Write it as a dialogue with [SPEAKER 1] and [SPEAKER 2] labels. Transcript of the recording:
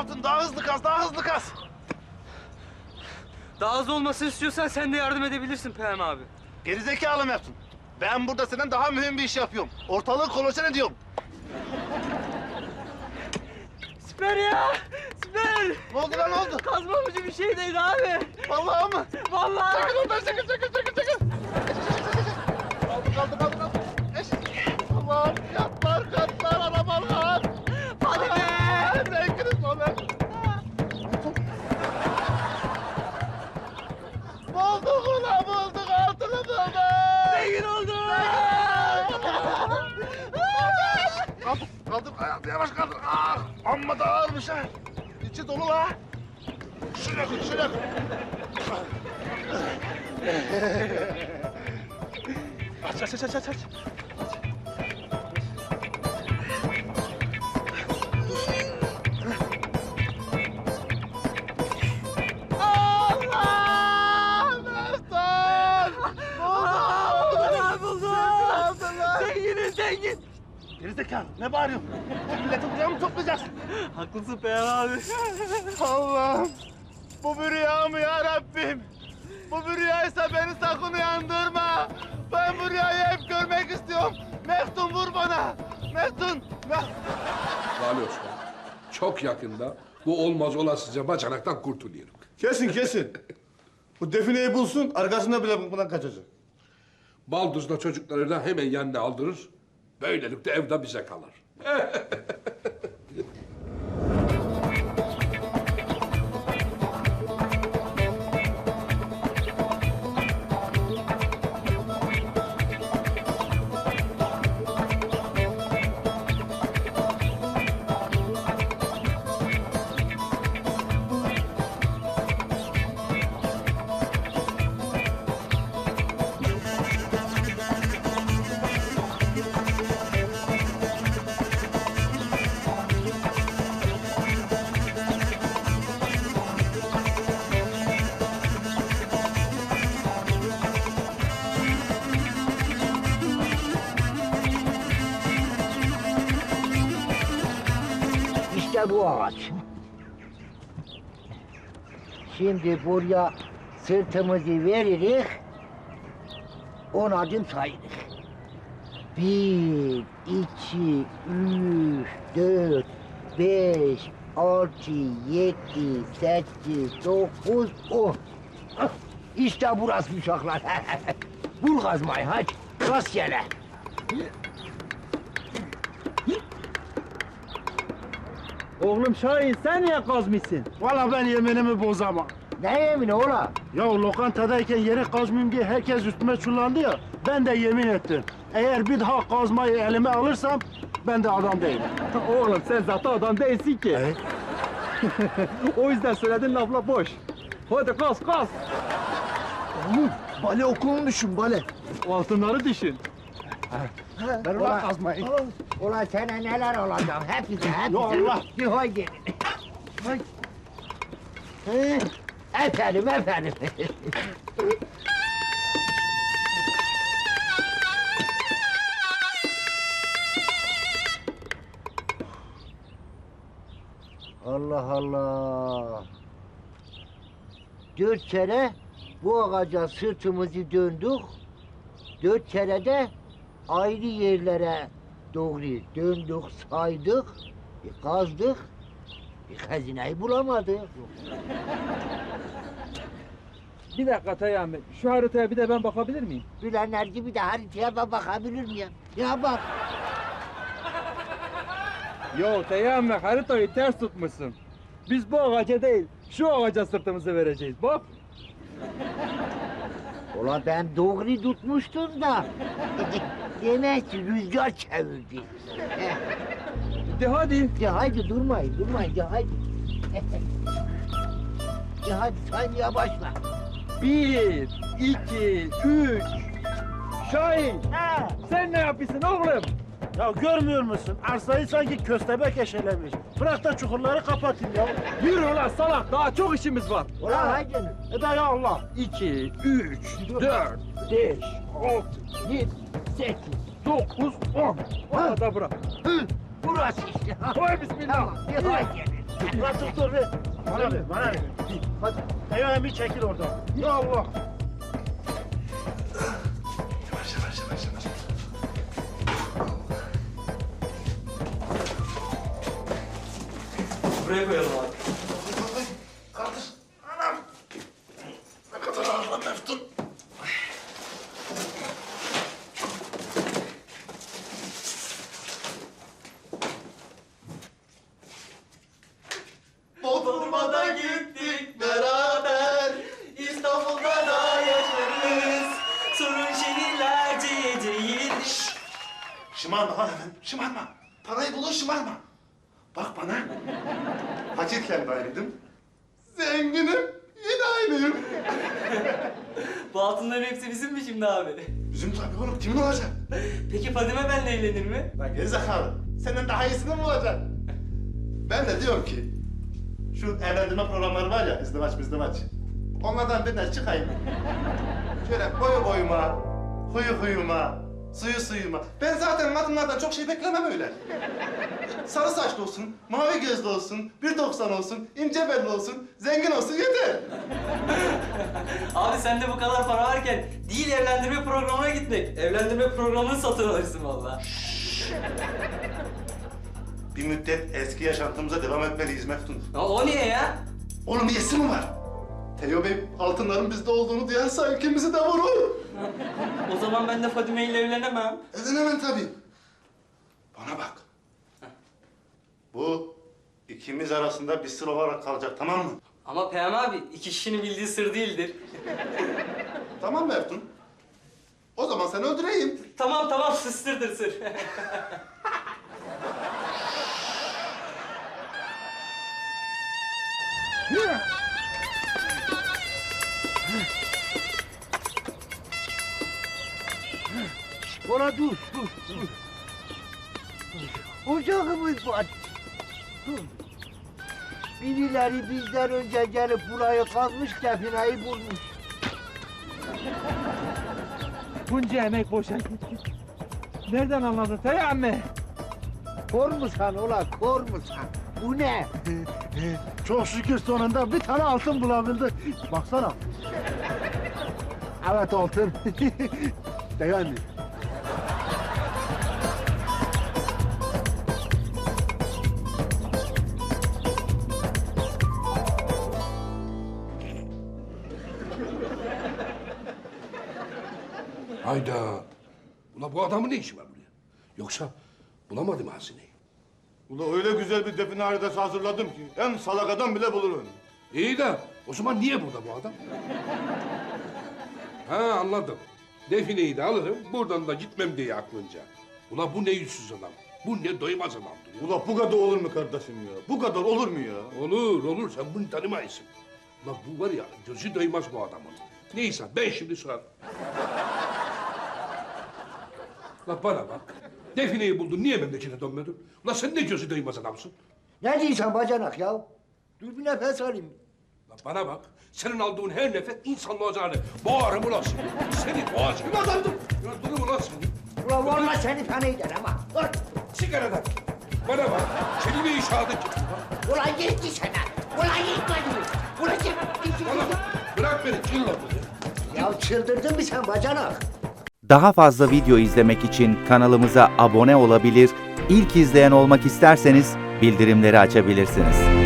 [SPEAKER 1] Meftun daha hızlı kaz, daha hızlı kaz.
[SPEAKER 2] Daha az olmasını istiyorsan sen de yardım edebilirsin Peyami abi.
[SPEAKER 1] Gerizekalı Meftun. Ben burada senden daha mühim bir iş yapıyorum. Ortalığı kolaçan ediyorum.
[SPEAKER 2] Süper ya! Süper!
[SPEAKER 1] Ne oldu lan, ne oldu?
[SPEAKER 2] Kazmamıcı bir şey değil abi.
[SPEAKER 1] Vallahi mı?
[SPEAKER 2] Vallahi.
[SPEAKER 1] Çekil oradan, çekil. Kaldı. Eş. Allah'ım, katlar, arabalar.
[SPEAKER 2] Hadi be!
[SPEAKER 1] Zevkiniz olur. Bulduk ulan, bulduk, altını bulduk.
[SPEAKER 2] Zengin oldum!
[SPEAKER 1] Kaldım, ayağım yavaş kaldır. Ah, amma da ağırmış ha. İçi dolu la. Şuraya koy. Aç. Allah! Meftun! Buldum!
[SPEAKER 2] Zengin!
[SPEAKER 1] Gerizekalı, ne bağırıyorsun? Milleti buraya mı toplayacağız?
[SPEAKER 2] Haklısın Peyami abi.
[SPEAKER 1] Allah'ım! Bu bir rüya mı ya Rabbim? Bu bir rüyaysa beni sakın uyandırma. Ben bu rüyayı hep görmek istiyorum. Meftun vur bana. Meftun!
[SPEAKER 3] Vali Osman, çok yakında bu olmaz olasıca bacanaktan kurtuluyorum.
[SPEAKER 4] Kesin. Bu defineyi bulsun, arkasında bile bundan kaçacak.
[SPEAKER 3] Baldızla çocukları da hemen yanına aldırır. Böylelikle evde bize kalır.
[SPEAKER 5] İşte bu ağaç. Şimdi buraya sırtımızı veririz, 10 adım sayırız. 1, 2, 3, 4, 5, 6, 7, 8, 9, 10. İşte burası uşaklar. Bul kazmayı hadi, rastgele.
[SPEAKER 6] Oğlum Şahin sen niye kazmışsın?
[SPEAKER 4] Vallahi ben yeminimi bozamam.
[SPEAKER 5] Ne yemini ola?
[SPEAKER 4] Ya lokantadayken yeri kazmayayım diye herkes üstüme çullandı ya, ben de yemin ettim. Eğer bir daha kazmayı elime alırsam, ben de adam değilim.
[SPEAKER 6] Oğlum sen zaten adam değilsin ki.
[SPEAKER 4] Evet.
[SPEAKER 6] O yüzden söylediğin lafla boş. Hadi kaz.
[SPEAKER 5] Oğlum, bale okulunu düşün, bale.
[SPEAKER 6] Altınları düşün.
[SPEAKER 4] Ben ulan kazmayı.
[SPEAKER 5] Ulan sana neler olacak, hepsi.
[SPEAKER 4] Ya Allah!
[SPEAKER 5] Bir hoy gelin. Hoy. Efendim. Allah. 4 kere bu ağaca sırtımızı döndük. 4 kere de ayrı yerlere doğru döndük, saydık, kazdık. Bir hazineyi bulamadık.
[SPEAKER 6] Bir dakika Teyami, şu haritaya bir de ben bakabilir miyim?
[SPEAKER 5] Bilenler gibi de haritaya ben bakabilir miyim? Ya bak.
[SPEAKER 6] Yo Teyami, haritayı ters tutmuşsun. Biz bu ağaca değil, şu ağaca sırtımızı vereceğiz. Bak.
[SPEAKER 5] Ulan ben doğru tutmuştum da. Demek ki rüzgar çevirdi.
[SPEAKER 6] De hadi.
[SPEAKER 5] De haydi durmayın, de haydi. De hadi saymaya başla.
[SPEAKER 6] 1, 2, 3. Şahin, sen ne yapıyorsun oğlum?
[SPEAKER 4] Ya görmüyor musun? Arsayı sanki köstebek eşelemiş. Bırak da çukurları kapatayım ya.
[SPEAKER 6] Yürü ulan salak, daha çok işimiz var.
[SPEAKER 5] Ulan haydi.
[SPEAKER 4] Eda ya Allah.
[SPEAKER 6] 2, 3, 4, 5, 6, 7, 8, 9, 10. Orada bırak.
[SPEAKER 5] Burası işte.
[SPEAKER 6] Koy bismillah.
[SPEAKER 5] Tamam, de haydi.
[SPEAKER 4] Ulan dur ver. Bana ver, bana ver. Hadi. Eyvah bir çekil oradan. Ya Allah.
[SPEAKER 3] Yavaş yavaş yavaş yavaş.
[SPEAKER 2] Buraya koyalım abi.
[SPEAKER 3] Kardeş, anam. Ne kadar ağır lan Meftun.
[SPEAKER 2] Bodrum'a gittik beraber, İstanbul'da da yaşarız. Sorun şehirlerce değildir.
[SPEAKER 1] Şımarma lan hemen, şımarma. Parayı bulur şımarma. Bak bana. Fakirken de aynıydım. Zenginim, yine aynıyım.
[SPEAKER 2] Bu altınların hepsi bizim mi şimdi abi?
[SPEAKER 1] Bizim tabii oğlum, kimin olacak?
[SPEAKER 2] Peki Fadime benimle evlenir mi?
[SPEAKER 1] Lan gerizekalı, senden daha iyisini mi olacak? Ben de diyorum ki, şu evlendirme programları var ya, izdivaç. Onlardan birine çıkayım. Şöyle boyu boyuma, huyu huyuma, suyu suyuma. Ben zaten kadınlardan çok şey beklemem öyle. Sarı saçlı olsun, mavi gözlü olsun, 1.90 olsun, ince belli olsun, zengin olsun yeter.
[SPEAKER 2] Abi sende bu kadar para varken değil evlendirme programına gitmek. Evlendirme programını satın alırsın vallahi.
[SPEAKER 1] Bir müddet eski yaşantımıza devam etmeliyiz Meftun.
[SPEAKER 2] Ya o niye ya?
[SPEAKER 1] Onun niyesi mi var? Teo Bey altınların bizde olduğunu duyarsa ikimizi de vurur.
[SPEAKER 2] O zaman ben de Fadime ile evlenemem.
[SPEAKER 1] Evlenemem tabii. Bana bak. Bu ikimiz arasında bir sır olarak kalacak, tamam mı?
[SPEAKER 2] Ama Peyami abi iki kişinin bildiği sır değildir.
[SPEAKER 1] Tamam Meftun. O zaman seni öldüreyim.
[SPEAKER 2] Tamam sırdır sır.
[SPEAKER 5] Ulan dur. Ocağımız var. Dur. Birileri bizden önce gelip burayı kazmış, defineyi bulmuş.
[SPEAKER 6] Bunca emek boşa gitti. Nereden anladın Peyami?
[SPEAKER 5] Kor musan ulan, kor musan? Bu ne?
[SPEAKER 4] Çok şükür sonunda bir tane altın bulabildik. Baksana. Evet altın. Yani.
[SPEAKER 3] Hayda. Ula bu adamın ne işi var buraya? Yoksa bulamadı mı hazineyi?
[SPEAKER 1] Ula öyle güzel bir define haritası hazırladım ki en salak adam bile bulur onu.
[SPEAKER 3] İyi de o zaman niye burada bu adam? Ha anladım. Defineyi de alırım, buradan da gitmem diye aklınca. Ula bu ne yüzsüz adam, bu ne doymaz adamdır ya.
[SPEAKER 1] Ula bu kadar olur mu kardeşim ya? Bu kadar olur mu ya?
[SPEAKER 3] Olur, sen bunu tanımayısın. Ula bu var ya, gözü doymaz bu adamın. Neyse, ben şimdi sorarım. Ula bana bak, defineyi buldun, niye memlekete dönmedin? Ula sen ne gözü doymaz adamsın?
[SPEAKER 5] Ne diyorsun bacanak ya? Dur bir nefes alayım.
[SPEAKER 3] Ula bana bak, senin aldığın her nefes insanlığa zararlı. Boğarım ulan seni, seni boğacağım. Ulan dur ulan seni.
[SPEAKER 5] Ulan vallahi seni fena eder ama. Dur.
[SPEAKER 3] Sigaradan. Bana bak, kelime-i şehadet getir.
[SPEAKER 5] Ulan yetti sana. Ulan yetmedi. Ulan yetti.
[SPEAKER 3] Bana bak, bırak beni, çılla bunu.
[SPEAKER 5] Ya çıldırdın mı sen bacanak?
[SPEAKER 7] Daha fazla video izlemek için kanalımıza abone olabilir, ilk izleyen olmak isterseniz bildirimleri açabilirsiniz.